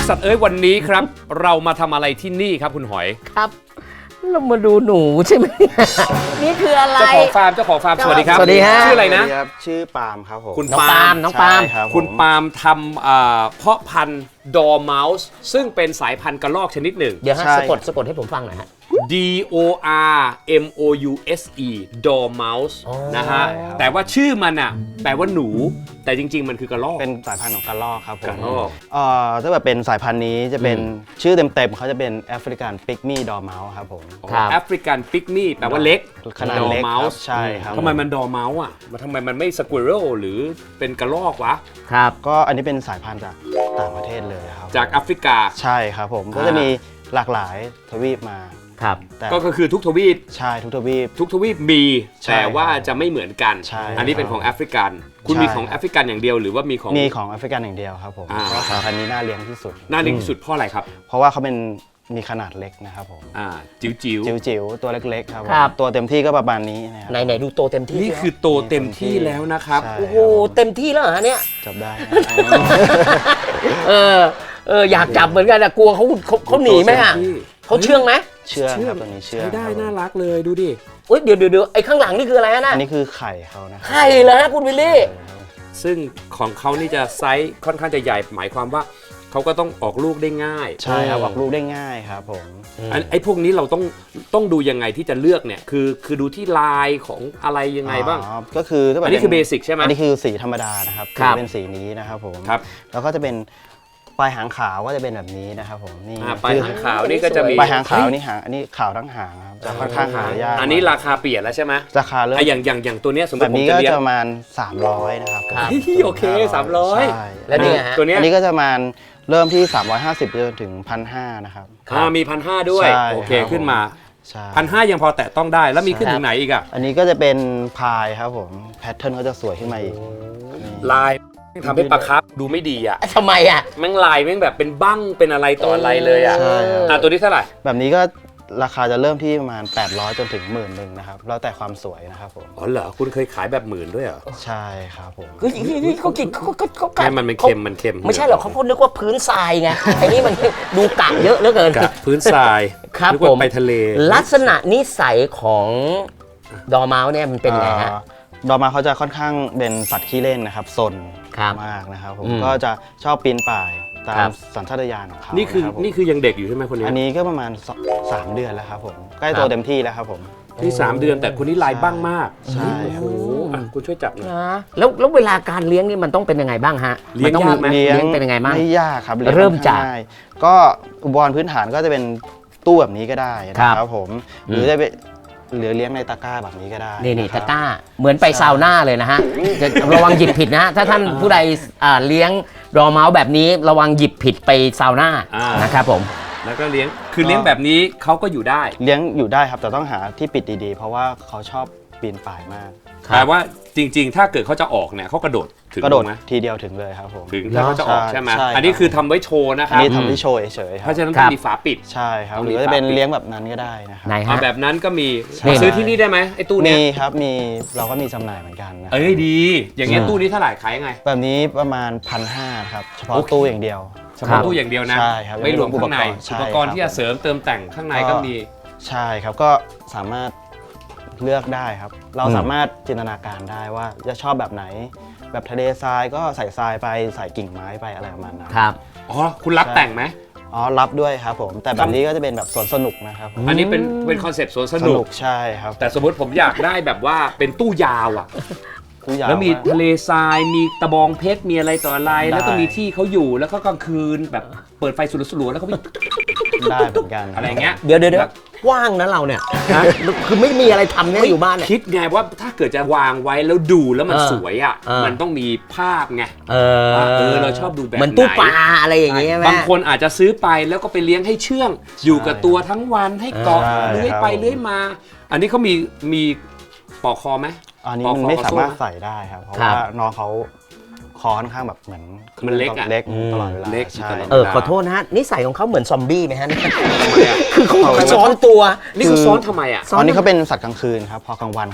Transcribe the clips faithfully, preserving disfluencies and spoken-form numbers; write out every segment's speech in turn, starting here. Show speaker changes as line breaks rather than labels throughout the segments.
สัตว์เอ้ยวันนี้ครับเรามาทำอะไรที่นี่ครับคุณหอย
ครับเรามาดูหนูใช่ไหมนี่คืออะไร
เจ้าของฟาร์มเจ้าของฟาร์มสวัสดีครับ
สวัสดีฮะ
ชื่ออะไรนะ
ชื่อปาล์มครับผม
คุณ
น้อง
ปา
ปา
ล์
ล์
ม
มน้องปาล์ม
คุณปาล์มทำอ่าเพาะพันธุ์ดอร์เมาส์ซึ่งเป็นสายพันธุ์กระรอกชนิดหนึ่ง
เดี๋ยวฮะสะกดสะกดให้ผมฟังหน่อยฮะ
D O R M O U S E Dormouse
อ๋อ
นะฮะแต่ว่าชื่อมันอ่ะแปลว่าหนูแต่จริงๆมันคือกระรอก
เป็นสายพันธุ์ของกระรอกครับผม
กระรอก
เอ่อถ้าแบบเป็นสายพันธุ์นี้จะเป็นชื่อเต็มๆเขาจะเป็นแอฟริกันปิกมี่ดอร์เมาส์ครับผม
ครับ
แอฟริกันปิกมี่แปลว่าเล็ก
ขนาดเล็ก
ดอร์เมา
ครับ
ส์
ใช่ครับ
ทำไมมันดอร์เมาส์อ่ะมันทำไมมันไม่สควอเรลหรือเป็นกระรอกวะ
ครับ
ก็อันนี้เป็นสายพันธุ์จากต่างประเทศเลยครับ
จากแอฟริกา
ใช่ครับผมก็จะมีหลากหลายทวีปมา
ครับ
แต่
ก็คือทุกทวีป
ใช่ทุกทวีป
ทุกทวีปมี
ใช่
แต่ว่าจะไม่เหมือนกัน
ใช่
อันนี้เป็นของแอฟริกันคุณ
ใช่
มีของแอฟริกันอย่างเดียวหรือว่ามีของ
มีของแอฟริกันอย่างเดียวครับผม
อ่า
เพราะสายพันธุ์นี้น่าเลี้ยงที่สุด
น่าเลี้ยงที่สุดเพราะอะไรครับ
เพราะว่าเขาเป็นมีขนาดเล็กนะครับผม
อ่าจิ๋วจิ๋ว
จิ๋วๆตัวเล็กๆครับผม
ครับ
ตัวเต็มที่ก็ประมาณนี้นะครับ
ไหนไหนดูโตเต็มที่
นี่คือโตเต็มที่แล้วนะครับ
ใช่
โอ้โหเต็มที่แล้วเหรอฮะเนี่ย
จับได้นะ
เออเอออยากจับเหมือนกันแต่กลัวเขาเขาเขาหนีไหมอ่ะ
โตเต็มที่
เขาเชื่องไหม
เชื่อครับตัวนี้เชื่อ
ใช้ได้
ครับผม
น่ารักเลยดูดิ
เอ้ยเดี๋ยวเดี๋ยวเดี๋ยวไอ้ข้างหลังนี่คืออะไรฮะน่ะ
อันนี้คือไข่เขานะครับ
ไข่เหรอฮะคุณวิลลี่
ซึ่งของเขานี่จะไซส์ค่อนข้างจะใหญ่หมายความว่าเขาก็ต้องออกลูกได้ง่าย
ใช่ครับออกลูกได้ง่ายครับผม
อันไอ้พวกนี้เราต้องต้องดูยังไงที่จะเลือกเนี่ยคือคือดูที่ลายของอะไรยังไงบ้าง
อ๋อก็คือถ้าแบบ
อันนี้คือเบสิกใช่ไหม
อันนี้คือสีธรรมดานะครับ
ครับ
สีเป็นสีนี้นะครับผม
ครับ
แล้วก็จะเป็นปลายหางขาวก็จะเป็นแบบนี้นะครับผมนี่
อ่าปลายหางขาวนี่ก็จะมี
ปลายหางขาวนี่หางอันนี้ขาวทั้งหางครับจะค่อนข้างหายาก
อันนี้ราคาเปลี่ยนแล้วใช่ไหม
ราคาเริ่ม
ไอ้อย่างอย่างอย่างตัวเนี้ยสมม
แบ
ติ
บ
ผม
นี้
จะ
ก็
เลี้ย
จะ
ง
ประมาณสามร้อยนะครับผม
เฮ้ยโอเคสามร้อย
ใช่
แล้วนี่ฮะ
ตัวเนี้ย
อันนี้ก็จะประมาณเริ่มที่สามร้อยห้าสิบจนถึง หนึ่งพันห้าร้อย นะครับ
อ่ามีพันห้าด้วย
ใช่
โอเค
ครับ
ขึ้นมา
ใช่
พันห้ายังพอแตะต้องได้แล้วมีขึ้น
ครับ
ถึงไหนอีกอะ
อันนี้ก็จะเป็นพายครับผมแพทเทิร์นเขาจะสวยขึ้นมาอีกนี่
ลายทำให้ปลาครับดูไม่ดีอะ
ทำไมอ่ะ
แม่งลายแม่งแบบเป็นบั้งเป็นอะไรต่ออะไรเลยอะ
ใช่ครับ
อ่ะตัวนี้เท่าไหร่
แบบนี้ก็ราคาจะเริ่มที่ประมาณแปดร้อยจนถึงหมื่นหนึ่งนะครับแล้วแต่ความสวยนะครับผม
อ๋อเหรอคุณเคยขายแบบหมื่นด้วยเหรอ
ใช่ครับผม
คือเขากินเขาเขาเขา
แค่มันเป็นเค็มมันเค็ม
ไม่ใช่หรอกเขาพูดนึกว่าพื้นทรายไงไอ้นี่มันดูกะเยอะเหลือเกิน
กับพื้นทราย
ครับ
นึกว่า
ผม
ไปทะเล
ลักษณะนิสัยของดอร์เมาส์เนี่ยมันเป็นไงฮะ
อ่าดอร์มาเขาจะค่อนข้างเป็นสัตว์ขี้เล่นนะครับซน
ครับ
มากนะครับผม
อืม
ก็จะชอบปีนป่ายตา
ครั
ม
บ
สัญชาตญาณของเขา
นี่คือ
นี่
นี่คือยังเด็กอยู่ใช่ไหมคนนี้
อันนี้ก็ประมาณสสามเดือนแล้วครับผมใกล้
ค
โต
รับ
เต็มที่แล้วครับผม
ที่สามเดือนแต่คนนี้ลายบ้างมาก
ใช่
โอ้โหอ่ะคุณช่วยจับหน่อย
นะแล้วแล้วเวลาการเลี้ยงนี่มันต้องเป็นยังไไงบ้างฮะ
เลี้ยง
นต้อง
ยากไหม
เลี้ยงเป็นยังไงบ้าง
ไม่ยากครับลี้ยง
เริ่มจาก
ค่อนข้งง่ยก็อุปกรณ์พื้นฐานก็จะเป็นตู้แบบนี้ก็ได้นะครับผมหรือจะเป็นหรือเลี้ยงในตะกร้าแบบนี้ก็ได้
นี่นี่
ะค
ตะ
รับ
กร้าเหมือนไปซาวน่าเลยนะฮะจะระวังหยิบผิดนะฮะถ้าท่านผู้ใดอ่าเลี้ยงดอร์เมาส์แบบนี้ระวังหยิบผิดไปซาวน่า
อ่าน
นะครับผม
แล้วก็เลี้ยงคือเลี้ยงแบบนี้เขาก็อยู่ได้
เลี้ยงอยู่ได้ครับแต่ต้องหาที่ปิดดีๆ เพราะว่าเขาชอบปีนป่ายมาก
แต่ว่าจริงๆ ถ้าเกิดเขาจะออกเนี่ยเขากระโดดถึง
กระโดด
ไหม
ทีเดียวถึงเลยครับผม
ถึงถ้าเขาจะออกใช่ไหม
ใช่ครับ
อันนี้คือทำไว้โชว์นะค
อัน
รับ
นี้ทำที่โชว์เฉยๆค
เพ
รับ
ราะฉะนั้น
ครั
ต้
บ
องมีฝาปิด
ใช่ครับ
ต้อง
ห
มี
รือว่าจะเป็น
ฝาปิด
เลี้ยงแบบนั้นก็ได้นะครับ
ไหน
เอา
ฮะ
แบบนั้นก็มี
นี่
มาซื้อที่นี่ได้ไหมไอ้ตู้เนี้
มี
ย
ครับมีเราก็มีจำหน่ายเหมือนกันนะ
เอ้ยดี อย่างเงี้ยตู้นี้เท่าไหร่ขายยังไง
แบบนี้ประมาณพันห้าครับเฉพาะ
โอเค
ตู้อย่างเดียว
เฉพาะตู้อย่างเดียวนะ
ใช่ครับ
ไม่รวมข้างใน
ใช่
อุปกรณ์ที่จะเสริมเติมแต่งข้างในก็มี
ใช่ครับก็สามารถเลือกได้ครับ เราสามารถจินตนาการได้ว่าจะชอบแบบไหน แบบทะเลทรายก็ใส่ทรายไปใส่กิ่งไม้ไปอะไรประมาณนั้น
ครับ
อ๋อคุณรับแต่งไหม
อ๋อรับด้วยครับผมแต่แบบนี้ก็จะเป็นแบบสวนสนุกนะครับผม
อันนี้เป็นเป็นคอนเซปต์สวนส
ส
นุ
นุ
ก
กใช่ครับ
แต่สมมติผมอยากได้แบบว่าเป็นตู้ยาวอ่ะ
ผู้ใหญ่
แล้วมีทะเลทราย มีตะบองเพชร มีอะไรต่ออะไร
ได้
แล้วก็มีที่เขาอยู่ แล้วก็กลางคืนแบบเปิดไฟสลัวๆแล้วก็วิ่ง
ได้เหมือนกัน
อะไรเงี้ย
เดี๋ยวเดี๋ยวเดี๋ยวว่างนะเราเนี่ย
ฮะ
คือไม่มีอะไรทำเนี่ยอยู่บ้านเนี่ย
คิดไงว่าถ้าเกิดจะวางไว้แล้วดูแล้วมัน
เออ
สวยอ่ะ
เออ
มันต้องมีภาพไง
เอ
ว่าเออเราชอบดูแบบ
เหมือนตู้
ไหน
ปลาอะไรอย่างเงี้ยไหม
บางคนอาจจะซื้อไปแล้วก็ไปเลี้ยงให้เชื่อง อยู่กับตัวทั้งวันให้เกาะ
ใช่
เลื้อยไป
ครับ
เลื้อยมา อันนี้เขามีมีปอกคอไหม
อันนี้
ปอก
มัน
คอ
ไม่
เอา
สา
สู้
มารถ
นะ
ใส่ได้ครับ เพราะ
ครับ
ว่าน้องเขาคอค่อนข้างแบบเหมือน
มันเล็กอะ
เล็ก
อืม
ตลอดเวลา
เล็ก
ใช่
ตลอด
เออขอโทษนะฮะนิสัยของเขาเหมือนซอมบี้ไหมฮะ
ทำไมอะ
คือเขาซ้อนตัว
นี่เขาซ้อนทำไมอ่ะ
ซ้อน
ตอนนี้เขาเป็นสัตว์กลางคืนครับพอกลางวันเขาจะ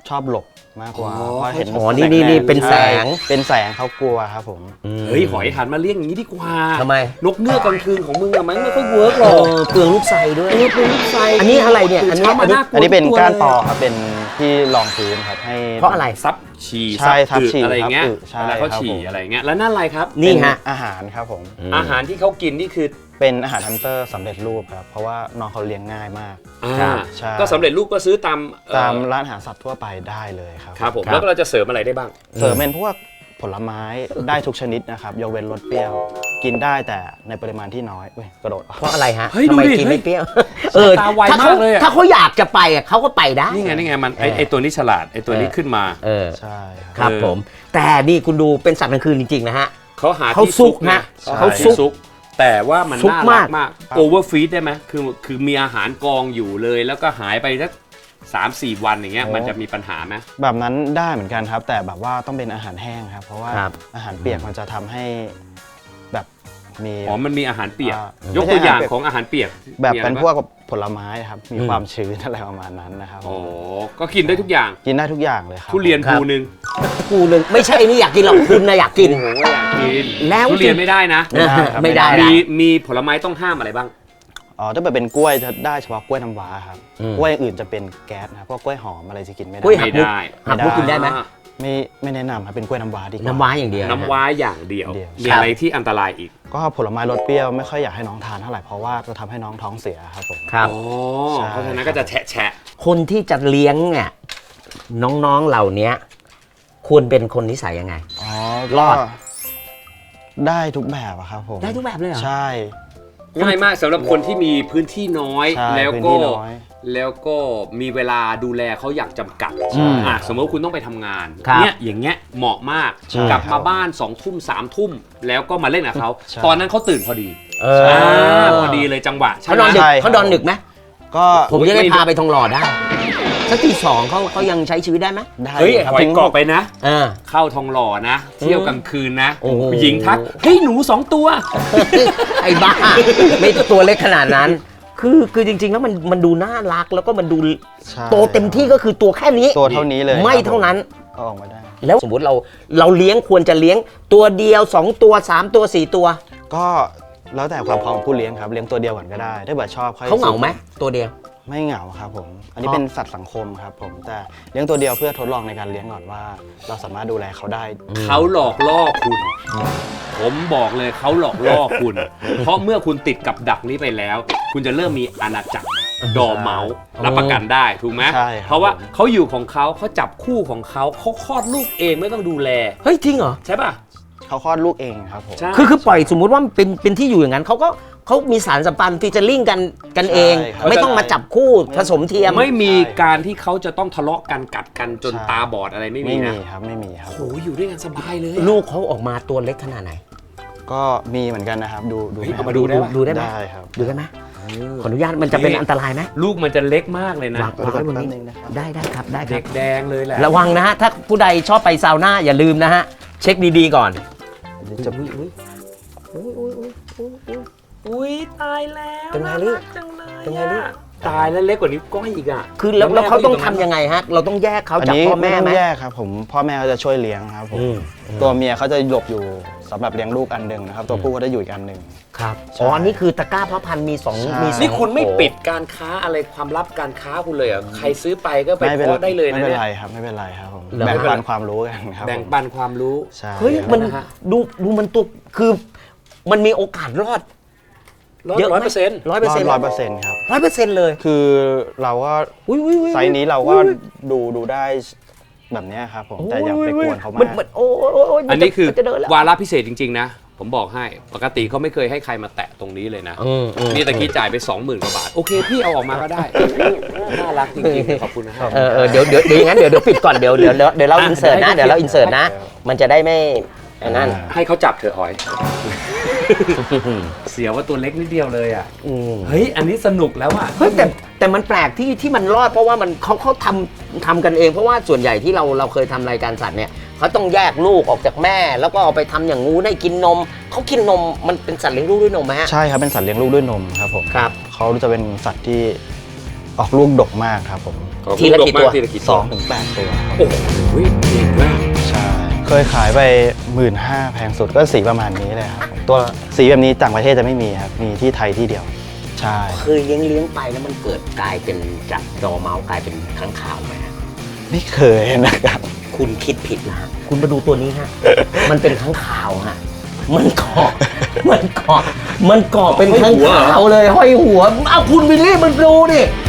ชอบหลบมากกว่า
อ๋อ
เพราะเห็น
อ๋อนี่นี่นี่เป็นแสง
ใช่เป็นแสงเขากลัวครับผม
เฮ้ยหอยหันมาเลี้ยงอย่างนี้ดีกว่า
ทำไม
นกเงือกกลางคืนของมึงอะมันไม่ค่อยเวิร์กหร
เอ
อก
อเปลืองลูกไซด้วย
เออเป็นลูกไฟ
อันนี้อะไรเนี่ยอันนี้
ช้ามาน่ากลัว
อันนี้เป็น
ทุตัว
ก้านปอ
เลย
ครับเป็นที่รองพื้นครับให้
เพราะอะไร
ซับฉี่
ใช่ซับฉี่
อึอะไรเงี้ย
ซับอึใช่
เวลาเขา
ครับ
ฉี่
ผม
อะไรเงี้ยแล้วนั่นอะไรครับ
นี่ฮะ
เป็นอาหารครับผม
อาหารที่เขากินนี่คือ
เป็นอาหารฮันเตอร์สำเร็จรูปครับเพราะว่าน้องเขาเลี้ยงง่ายมาก
อ่า
ใช่
ก็สำเร็จรูปก็ซื้อตามเอ่อ
ตามร้านอาหารสัตว์ทั่วไปได้เลยครับ
ครับผม
ครับ
แล้วก็เราจะเสริมอะไรได้บ้าง
เสริมเป็นพวกผลไม้ได้ทุกชนิดนะครับยกเว้นรสเปรี้ยว กินได้แต่ในปริมาณที่น้อยเว้ยกระโดดออก
เพราะอะไรฮะ
เฮ้ย
ทำไม
ดูดิ
กิน
เฮ้
ไม่
ย
เปรี้ยว เออ
ตาไว
ถ้าเขา
มากเลยอะ
ถ้าเขาอยากจะไปอะเขาก็ไปได้
นี่ไงนี่ไงมันไอ
เออ
ไอตัวนี้ฉลาดไอตัวนี้
เออ
ขึ้นมา
เออ
ใช่ครับ
ครับ
เออ
ผม แต่นี่คุณดูเป็นสัตว์กลางคืนจริงๆนะฮะ
เขาหา
เขา
ที่
ซุ
ซุ
ก
ก
นะ
นะ
เขา
ห
ซุก
ที่แต่ว่ามัน
ซุก
น่ารัก
มาก
มากโอเวอร์ฟีดได้ไหมคือคือมีอาหารกองอยู่เลย แล้วก็หายไปสักสามสี่วันอย่างเงี้ยมันจะมีปัญหาไหม
แบบนั้นได้เหมือนกันครับ แต่แบบว่าต้องเป็นอาหารแห้งครับ เพราะว่า
ครับ
อาหารเปียกมันจะทำให้แบบมี
อ๋อมันมีอาหารเปียก
อ่าย
กตัวอย่าง
ไม่ใช่อาหารเปียก
ของอาหารเปียก
แบบ
มีอะไร
เป็น
บ้าง
พวกผลไม้ครับมี
อืม
ความชื้นอะไรประมาณนั้นนะครับ
อ๋อก็กินได้ทุกอย่าง
กินได้ทุกอย่างเลยครับ
ทุเรียน
ครับ
ภูหนึ่ง
กูเลยไม่ใช่นี่อยากกินหรอกคุณนะอยากกิน
โอ้โหอยากกิน
แล้ว
ทุเรียนไม่ได้นะ
ไม่ได้ครับ
ไม่ได้
มีมีผลไม้ต้องห้ามอะไรบ้าง
อ๋อถ้าเกิดเป็นกล้วยจะได้เฉพาะกล้วยน้ำว้าครับ
อืม
กล้วยอย่างอื่นจะเป็นแก๊สนะครับพวกกล้วยหอมอะไรจะกินไม่ได้
กล้วยหั
ไม่
กมุก
ได้
หักมุกกินได้ไหม
อ่า
ไม่ไม่แนะนำครับเป็นกล้วยน้ำว้าดีกว่า
น้ำว้าอย่างเดียวะฮะ
น้ำว้าอย่างเดียว
เดียว
มีอะไรที่อันตรายอีก
ก็ผลไม้รสเปรี้ยวไม่ค่อยอยากให้น้องทานเท่าไหร่เพราะว่าจะทำให้น้องท้องเสียครับผม
ครับ
อ๋อ
ใช่
เพราะฉะนั้นก็จะแฉะแฉะ
คนที่จะเลี้ยงเนี่ยน้องๆเหล่านี้ควรเป็นคนนิสัยยังไง
อ๋อ
รอด
ก็ได้ทุกแบบอะครับผม
ได้ทุกแบบเลยเหรอ
ใช่
ง่ายมากสำหรับคนที่มีพื้นที่น้อย
ใช่
แล้ว
พื้น
ก็
ที่น้อย
แล้วก็มีเวลาดูแลเขาอย่างจำกัด
ใช่
อ่ะสมมติว่าคุณต้องไปทำงาน
ครับ
เนี่ยอย่างเงี้ยเหมาะมาก
ใช่
กลับ
ครั
มา
บ
บ้านสองทุ่มสามทุ่มแล้วก็มาเล่นกับเขา
ใช่
ตอนนั้นเขาตื่นพอดี
เออ
อ่าพอดีเลยจังหวะใช่
เขา
ไห
น
ม
อนดึก
ใช่
เขานอนดึกไหม
ก็
ผมจะได้
ไม่
พาไปทองหล่อได้สักทีสองเขาเขายังใช้ชีวิตได้ไหม
ได้
เฮ้ย
ครับ
หอย
ถึง
เกาะไปนะ
เออ
เข้าทองหล่อนะ เที่ยวกลางคืนนะ
โอ้โห
ผู้หญิงทักเฮ้ยหนูสองตัว
ไอ้บ้าไม่ตัวเล็กขนาดนั้น คือคือจริง ๆ แล้วมันมันดูน่ารักแล้วก็มันดู
ใช่
โตเต็มที่ก็คือตัวแค่นี้
ตัวเท่านี้เลย
ไม่
ครับ
เท่านั้น
เอาออกมาได้
แล้วสมมติเราเราเลี้ยงควรจะเลี้ยงตัวเดียวสองตัวสามตัวสี่ตัว
ก็แล้วแต่ความพร้อมของผู้เลี้ยงครับเลี้ยงตัวเดียวก่อนก็ได้ถ้าเกิดชอบค่อย
เขาเหงาไหมตัวเดียว
ไม่เหงาครับผม อันนี้
เพราะ
เป็นสัตว์สังคมครับผมแต่เลี้ยงตัวเดียวเพื่อทดลองในการเลี้ยงก่อนว่า เราสามารถดูแลเขาได้
เขาหลอกล่อคุณ ผมบอกเลยเขาหลอกล่อคุณ เพราะเมื่อคุณติดกับดักนี้ไปแล้ว คุณจะเริ่มมีอาณาจักรดอเมาส์รับประกันได้ถูกไหม
ใช่ครับ
เพราะว่าเขาอยู่ของเขาเขาจับคู่ของเขาเขาคลอดลูกเองไม่ต้องดูแล
เฮ้ยจริงเหรอ
ใช่ป่ะ
เขาคลอดลูกเองครับผม
ใช่
คือคือปล่อยสมมุติว่ามันเป็นเป็นที่อยู่อย่างนั้นเขาก็เขามีสารสัมพันธ์ที่จะลิงก์กันกันเอง
ใช่ครับ
ไม่ต้องมาจับคู่ผสมเทียม
ไม่มีการที่เขาจะต้องทะเลาะกันกัดกันจน
ใช่
ตาบอดอะไรไม่มี
ไม่
นะ
มีครับไม่มีครับ
โอ้โหอยู่ด้วยกันสบายเลย
ลูกเขาออกมาตัวเล็กขนาดไหน
ก็มีเหมือนกันนะครับ ดูดู
เฮ้ย
ไหม
เอา
ครั
มา
บ
ดูได้ปะ
ดูได้ไหม
ได้ครับ
ดูได้ไหมขออนุญาตมันจะเป็นอันตรายไหม
ลูกมันจะเล็กมากเลยนะ
วางวางไว้บนนี้
แป๊บนึงนะครับ
ได้ได้ครับได้ครั
เด็
บ
กแดงเลยแหละ
ระวังนะฮะถ้าผู้ใดชอบไปซาวน่าอย่าลืมนะฮะเช็คดีๆก่อน
เดี๋ยวจะ
อุ้ยตายแล้ว
เป็นไงลูก
จังเลย
เป็นไงลูก
ตายแล้วเล็กกว่านิ้วก้อยอีกอ่ะ
คือแล้วแล้วเขาต้องทำยังไงฮะเราต้องแยกเขา
อัน
จาก
นี้
พ่อ
ไม่
แม่
ต้อ
ไหม
งแยกครับผมพ่อแม่เขาจะช่วยเลี้ยงครับผม
อืม
ตัวเมียเขาจะหลบอยู่สำหรับเลี้ยงลูกอันหนึ่งนะครับตัวผู้เขาจะอยู่อีกอันหนึ่ง
ครับ
ใช่
อ๋ออันนี้คือตะกร้าเพาะพันธุ์มีสอง
ใช่
มีสอง
นี่คุณไม่
โถ
ปิดการค้าอะไรความลับการค้าคุณเลยเหรอ่ะใครซื้อไปก็ไป
ไม่เป็น
เพาะได้เลย
ไม่
นะ
เป็น
เนี่ย
ไรครับไม่เป็นไรครับผม
เหรอ
แบ่งปันความรู้กันครับ
แบ่ง
ผม
ปันความรู้
ใช่
เฮ้ยมัน
นะฮะ
ดูดูมันตัวคือมันมีโอกาสรอด
ร้อย
เยอะไหม
ร้อยเปอร์เซ็นต์
ร้อยเปอร์เซ็นต์
ร้อยเปอร์เซ็นต์ครับ
ร้อยเปอร์เซ็นต์เลย
คือเราก็
อุ้ยอุ้ยอุ้ย
ไซส์นี้เราก็
อุ้ย
ดูดูได้แบบเนี้ยครับผมแต่อย่าไปกวนเขา
มั
มาน ก
มันโอ้ยโอ้ยโอ้ย
อันนี้คือ
มัจะเดินแล้ว
วาระพิเศษจริงๆนะ ผมบอกให้ปกติเขาไม่เคยให้ใครมาแตะตรงนี้เลยนะ
อืมอืม
นี่ตะกี้จ่ายไป สองหมื่น กว่าบาท โอเค พี่เอาออกมาก็ได้ น่ารักจริงๆ ขอบคุณนะครับ
เออเออเดี๋ยวเดี๋ยวเดี๋ยวอย่างนั้นเดี๋ยวเดี๋ยวปิดก่อนเดี๋ยวเดี๋ยวเดี๋ยวเดี๋ยวเรา
อ่ะ
อินเสิร์ตนะ
เดี๋
เดี๋
ย
ยว ว
ให้
เราอินเสิร์ตนะ มันจะได้ไม่ไอ้นั่น
ให้เขาจับเถอะหอย เสียว่าตัวเล็กนิดเดียวเลยอ่ะ
อืม
เฮ้ย อันนี้สนุกแล้วอ่ะ
เฮ้ยแต่แต่มันแปลกที่ที่มันรอดเพราะว่ามันเขาเขาทำทำกันเองเพราะว่าส่วนใหญ่ที่เราเราเคยทำรายการสัตว์เนี่ยเขาต้องแยกลูกออกจากแม่ แล้วก็เอาไปทำอย่างงูให้กินนมเขากินนมมันเป็นสัตว์เลี้ยงลูกด้วยนมไหมฮะ
ใช่ครับเป็นสัตว์เลี้ยงลูกด้วยนมครับผม
ครับ
เขาจะเป็นสัตว์ที่ออกลูกดกมากครับผม
ทีละกี่ตัว
ทีละกี่
ส
ตั
อ
ว
งถึงแปดตัวครับ
โอ้โหเก่งมาก
ใช่ เคยขายไปหมื่นห้าแพงสุดก็สีประมาณนี้เลยครับตัวสีแบบนี้ต่างประเทศจะไม่มีครับมีที่ไทยที่เดียวใช่
เคยเลี้ยงเลี้ยงไปแล้วมันเกิดกลายเป็นจากดอร์เมาส์กลายเป็นค้างคาวไหมฮะ
ไม่เคยนะครับ
คุณคิดผิดนะฮะคุณมาดูตัวนี้ฮะ มันเป็นค้างคาวฮะมันเกาะมันเกาะมันเกาะเป็นค้างคาวเลยห้อยหัวอ้าวคุณวิลลี่มันดูดิ